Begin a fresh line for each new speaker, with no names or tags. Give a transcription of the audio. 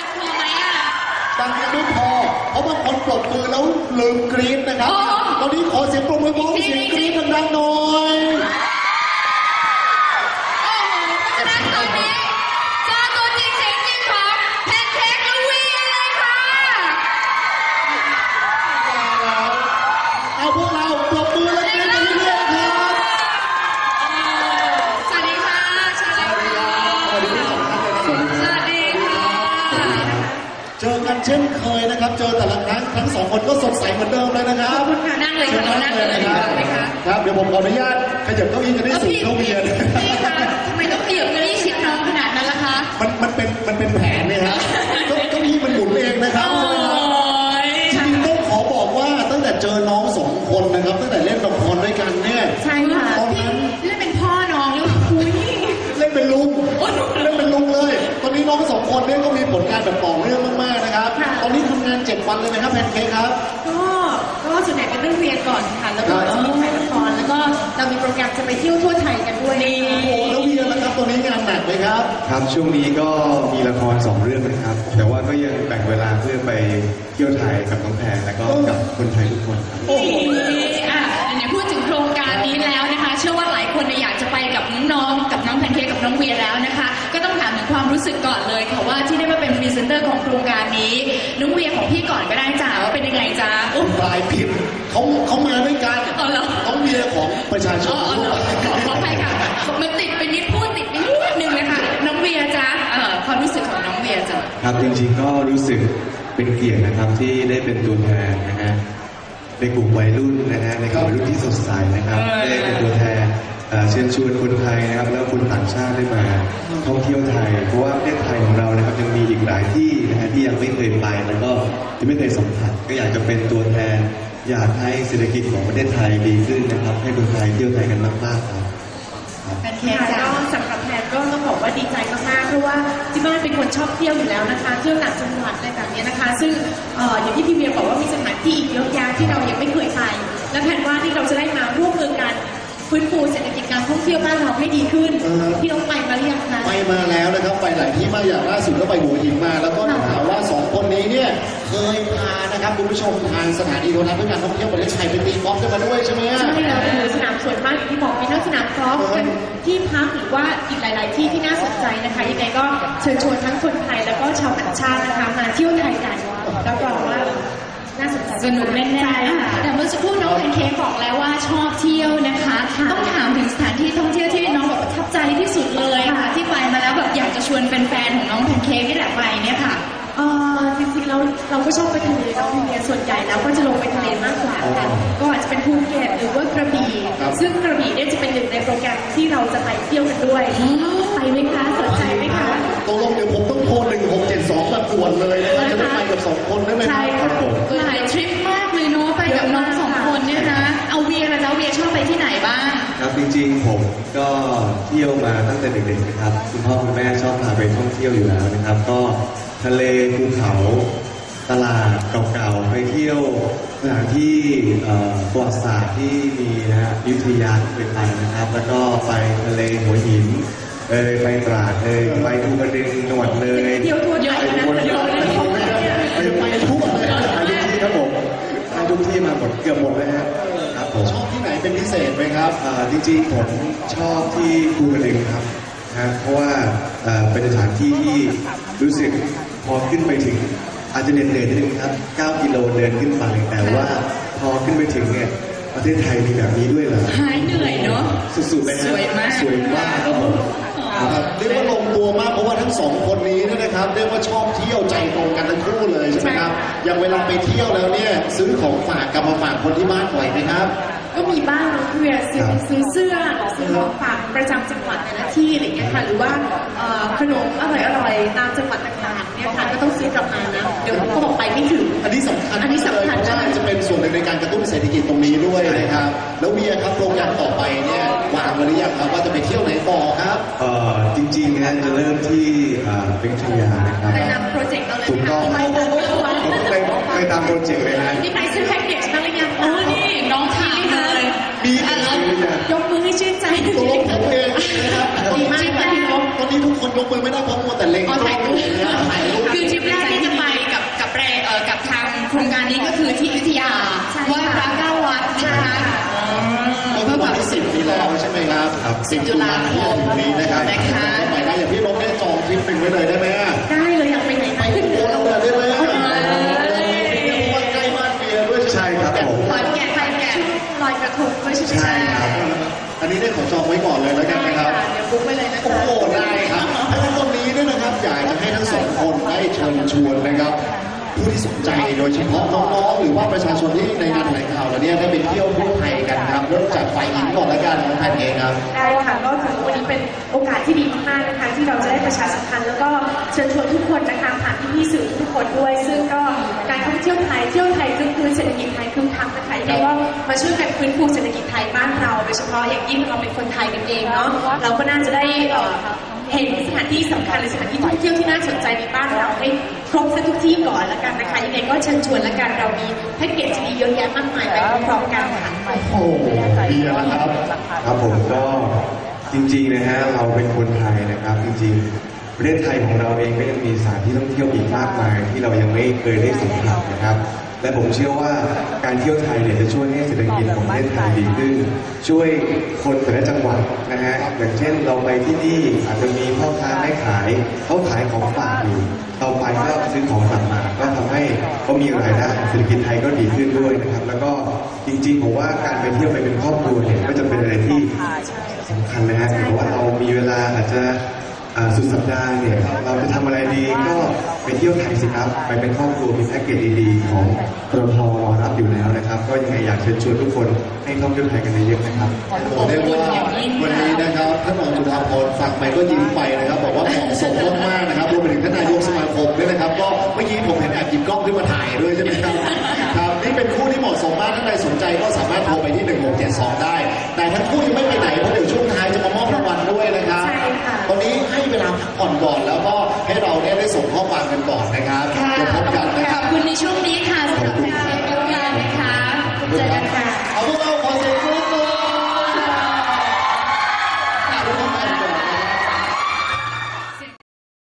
พอไหมอ่ะ
ดังยังไม่พอเพราะบางคนปรบมือแล้วลืมกรี๊ดนะครับตอนนี้ขอเสียงปรบมือพร้อมเสียงกรี๊ดดังๆหน่อย
เพราะฉะนั้นตอนนี้เจอตัวจริงเสียงจริงของแพนเค้กและวีเลยค่ะ
เอาพวกเราปรบมือและกรี๊ดกันเรื่อยๆครับ
สวัสดีค่ะสวัสดีค่ะสวัสดีค่ะ
เจอกันเช่นเคยนะครับเจอแต่ละครั้งทั้งสองคนก็สดใสเหมือนเดิมเลยนะครับ
นั่งเลยค่ะนั่งเลย
ครับเดี๋ยวผมขออนุญาตขยับเก้าอี้จะได้สูงเท่าเมียเลย
พี่คะทำไมต้องขยับเก้าอี้ชิดน้องขนาดนั้นล่ะคะ
มันเป็นแผนเนี่ยครับเก้าอี้มันหมุนเองนะครับจริงๆต้องขอบอกว่าตั้งแต่เจอน้องสองคนนะครับตั้งแต่เล่นละครด้วยกันเนี่ย
ใช่ค่ะ
ตอนนั้น
เล่นเป็นพ่อน้องหรือเปล่าคุย
เล่นเป็นลุงเลยตอนนี้น้องสองคนเนี่ยก็มีผลงานแบบต่อเนื่องมากๆนะครับตอนนี้ทำงาน7 วันเลยนะครับแพนเค้กครับ
ก็ส่วนใหญ่เป็นเรื่องเรียนก่อนค่ะแล้วก็จะมีถ่ายละครแล้วก็เรามีโปรแกรมจะไปเที่ยวทั่วไทยกันด้วย
โอ้โหแล้วเวียนะครับตอนนี้งานหนักไหมครับ
ครับช่วงนี้ก็มีละคร2 เรื่องนะครับแต่ว่าก็ยังแบ่งเวลาเพื่อไปเที่ยวไทยกับน้องแพรแล้วก็กับคนไทยทุกคนครับ
โอ้โหเนี่ยพูดถึงโครงการนี้แล้วนะคะเชื่อว่าหลายคนอยากจะไปกับน้องๆกับน้องแพนเค้กกับน้องเวียแล้วนะคะก็ต้องถามถึงความรู้สึกก่อนเลยค่ะว่าที่ได้มาเป็นพรีเซนเตอร์ของโครงการนี้น้องเวียของพี่ก่อนก็ได้จ้าว่าเป็นยังไงจ้า
ปลายผิดเขามาด้วยกันต้องเวียของประชาชน
ขออภัยค่ะมันติดไปนิดพูดติดไปนิดนึงนะคะน้องเวียจ้าความรู้สึกของน้องเวียจ้า
ครับจริงๆก็รู้สึกเป็นเกียรตินะครับที่ได้เป็นตัวแทนนะฮะในกลุ่มวัยรุ่นนะฮะในกลุ่มวัยรุ่นที่สดใสนะครับได้เป็นตัวแทนเชิญชวนคนไทยนะครับแล้วคนต่างชาติได้มาท่องเที่ยวไทยเพราะว่าประเทศไทยของเรานะครับยังมีอีกหลายที่นะฮะที่ยังไม่เคยไปแล้วก็ที่ไม่เคยสัมผัสก็อยากจะเป็นตัวแทนอยากให้เศรษฐกิจของประเทศไทยดีขึ้นนะครับให้คนไทยเที่ยวไทยกันมากๆครับ
แพนเค้กก็สำหรับแพนก็ต้องบอกว่าดีใจมากๆเพราะว่าที่บ้านเป็นคนชอบเที่ยวอยู่แล้วนะคะเที่ยวต่างจังหวัดอะไรแบบนี้นะคะซึ่งอย่างที่พี่เวียบอกว่ามีสถานที่อีกเยอะแยะที่เรายังไม่เคยไปและแพนว่าที่เราจะได้มาร่วมมือกันฟื้นฟูเศรษฐกิจการท่องเที่ยวบ้านเราให้ดีขึ้นที่เราไปมาหรือยังคะ
ไปมาแล้วนะครับไปหลายที่มาอย่างล่าสุดก็ไปหัวหินมาแล้วก็ถามว่า2 คนนี้เนี่ยเคยพานะครับคุณผู้ชมทางสถานีโทรทัศน์เพื่อการท่องเที่ยวประเทศไทยไปตีกอล์ฟกันมาด้วยใช่ไหม
ใช่แล้วคือสนามสวยมากอย่างที่บอกมีทั้งสนามกอล์ฟเป็นที่พักหรือว่าอีกหลายๆที่ที่น่าสนใจนะคะยังไงก็เชิญชวนทั้งคนไทยแล้วก็ชาวต่างชาตินะคะมาเที่ยวไทยกันรับรองว่าน่าสนใจสนุกแน่ๆแต่เมื่อสักครู่น้องแพนเค้กบอกแล้วว่าชอบเที่ยวนะคะต้องถามถึงสถานที่ท่องเที่ยวที่น้องแบบประทับใจที่สุดเลยค่ะที่ไปมาแล้วแบบอยากจะชวนแฟนๆของน้องแพนเค้กนี่แหละไปเนี่ยค่ะจริงๆเราก็ชอบไปทะเลน้องเมียส่วนใหญ่แล้วก็จะลงไปทะเลมากกว่าค่ะก็อาจจะเป็นภูเก็ตหรือว่ากระบี่ซึ่งกระบี่เนี่ยจะเป็นหนึ่งในโปรแกรมที่เราจะไปเที่ยวกันด้วยไปไหมคะสนใจไหมคะ
ตกลงเดี๋ยวผมต้องโทร1672มาตรวจเลยนะครับจะได้ไปกับ2 คนได้ไหมครับ
หลายทริปมากเลยเนาะไปกับน้อง2 คนเนี่ยนะเอาเวียนะจ๊ะเวียชอบไปที่ไหนบ้าง
ครับจริงๆผมก็เที่ยวมาตั้งแต่เด็กๆนะครับคุณพ่อคุณแม่ชอบพาไปท่องเที่ยวอยู่แล้วนะครับก็ทะเลภูเขาตลาดเก่าๆไปเที่ยวสถานที่ประวัติศาสตร์ที่มีนะฮะอยุธยาเคยไปนะครับแล้วก็ไปทะเลหัวหินไปตราดไปภูกระดึงจังหวัดเลย
เที่ยวทั่วไทยนะ
ไปทุกที่
ครับผมไปทุกที่มาหมดเกือบหมดเลยครับผม
ชอบที่ไหนเป็นพิเศษไหมครับ
จริงๆผมชอบที่ภูกระดึงครับเพราะว่าเป็นสถานที่ที่รู้สึกพอขึ้นไปถึงอาจจะเหนื่อยนิดนึงครับ9 กิโลเดินขึ้นฝั่งแต่ว่าพอขึ้นไปถึงเนี่ยประเทศไทยมีแบบนี้ด้วยเหรอ
หายเหนื่อยเนาะ
สุดๆเลย
สวยมาก
ครับผม
เรียกว่าลงตัวมากเพราะว่าทั้ง2 คนนี้นะครับเรียกว่าชอบเที่ยวใจตรงกันทั้งคู่เลยใช่ไหมครับอย่างเวลาไปเที่ยวแล้วเนี่ยซื้อของฝากกลับมาฝากคนที่บ้านบ่อยไหมครับ
ก็มีบ้างนะเพื่อซื้อเสื้อซื้อของฝากประจำจังหวัดแต่ละที่อะไรเงี้ยค่ะหรือว่าขนมอร่อยๆตามจังหวัดต่างๆเนี่ยค่ะก็ต้องซื้อกลับมานะเดี๋ยวเขาบอกไปไม่ถึง
อันนี้สำคัญเลยจะเป็นส่วนหนึ่งในการกระตุ้นเศรษฐกิจตรงนี้ด้วยนะครับแล้วเวียครับโปรแกรมต่อไปเนี่ยวางไว้หรือยังครับว่าจะไปเที่ยวไหนต่อครับ
จริงๆนะจะเริ่มที่เป็นขยานะครับ
ไปตามโปรเจกต์เราเลย
ถูกต้องไปตามโปรเจกต์เลยนะ
นี่ไปซื้อแพ็กเกจบ้างหรือยังนี่น้องถามเลย
มี
ยกมือให้ชื่นใจ
ตัวลงผมเองนะครับ
ดีมากค่ะ
ตอนนี้ทุกคนยกมือไม่ได้เพราะมัวแต่เล็ง
ถ่ายรูปคือทริปแรก
10 ตุลาคมนี้นะครับไปได้อย่างพี่นกได้จองทริปหนึ่งไว้เลยได้ไหม
ได้เลยอยากไปไหนไปขึ้น
โอ้เราได้ไหมว่าใกล้บ้านเมียด้วย
ใช่ครับผม
ขอนแก่นไปแก่ลอยกระทงด้วยใช่ไหม
ใช่ครับ
อันนี้ได้ขอจองไว้ก่อนเลยแล้วกัน
ได้
นะครับ
ค่ะเดี๋ยวบุ๊กไว้เลยนะคะ
โอ้โหได้ครับแล้ววันนี้เนี่ยนะครับอยากจะให้ทั้งสองคนได้เชิญชวนนะครับ ผู้ที่สนใจโดยเฉพาะน้องๆหรือว่าประชาชนที่ในงานแถลงข่าวแล้วเนี่ยได้ไปเที่ยวทั่วไทยกันครับเริ่มจากฝ่ายหญิงก่อนละกันน้องแพนเองครับ
ได้ค่ะก็ถือว่าวันนี้เป็นโอกาสที่ดีมากๆนะคะที่เราจะได้ประชาสัมพันธ์แล้วก็เชิญชวนทุกคนนะคะผ่านพี่ๆสื่อทุกคนด้วย ซึ่งก็การท่องเที่ยวไทยคึกคืนเศรษฐกิจไทยคึกคักนะคะยังไงก็มาช่วยกันฟื้นฟูเศรษฐกิจไทยบ้านเราโดยเฉพาะอย่างยิ่งเราเป็นคนไทยกันเองเนาะเราก็น่าจะได้เห็นสถานที่สำคัญหรือสถานที่ท่องเที่ยวที่น่าสนใจในบ้านเราให้ครบทุกที่ก่อนละกันนะคะยังไงก็เชิญชวนละกันเรามีแพ็กเกจดีเยอะแยะมากมายไปพร้อมๆกันค่ะ
โอ้โหดีนะครับ
ครับผมก็จริงๆนะฮะเราเป็นคนไทยนะครับจริงๆประเทศไทยของเราเองก็ยังมีสถานที่ท่องเที่ยวอีกมากมายที่เรายังไม่เคยได้สัมผัสนะครับ และผมเชื่อว่าการเที่ยวไทยเนี่ยจะช่วยให้เศรษฐกิจของประเทศไทยดีขึ้น ช่วยคนแต่ละจังหวัดนะฮะอย่างเช่นเราไปที่นี่อาจจะมีพ่อค้าแม่ขายเขาขายของฝากอยู่เราไปก็ซื้อของกลับมาก็ทำให้เขามีรายได้เศรษฐกิจไทยก็ดีขึ้นด้วยนะครับ แล้วก็จริงๆผมว่าการไปเที่ยวไปเป็นครอบครัวเนี่ยก็จะเป็นอะไรที่สำคัญนะฮะเพราะว่าเรามีเวลาอาจจะสุดสัปดาห์เนี่ยเราจะทำอะไรดีก็ไปเที่ยวไทยสิครับไปเป็นครอบครัวมีแพ็กเกจดีๆของกรทรอรับอยู่แล้วนะครับก็ยังไงอยากเชิญชวนทุกคนให้ท่องเที่ยวไทยกันเยอะๆนะครับ
ผมเรียกว่าวันนี้นะครับท่านรองจุฬาภรณ์ฟังไปก็ยิ้มไปนะครับบอกว่าเหมาะสมมากๆนะครับรวมไปถึงท่านนายกสมาคมด้วยนะครับก็เมื่อกี้ผมเห็นแอบหยิบกล้องขึ้นมาถ่ายด้วยใช่ไหมครับครับนี่เป็นคู่ที่เหมาะสมมากท่านใดสนใจก็สามารถโทรไปที่1672ได้แต่ทั้งคู่ยังไม่ไปไหนเพราะเดี๋ยวช่วงท้ายจะมามอบรางวัลด้วยนะครับ
ใช่ค่ะ
ตอนนี้ให้เวลาพักผ่อนก่อนแล้ว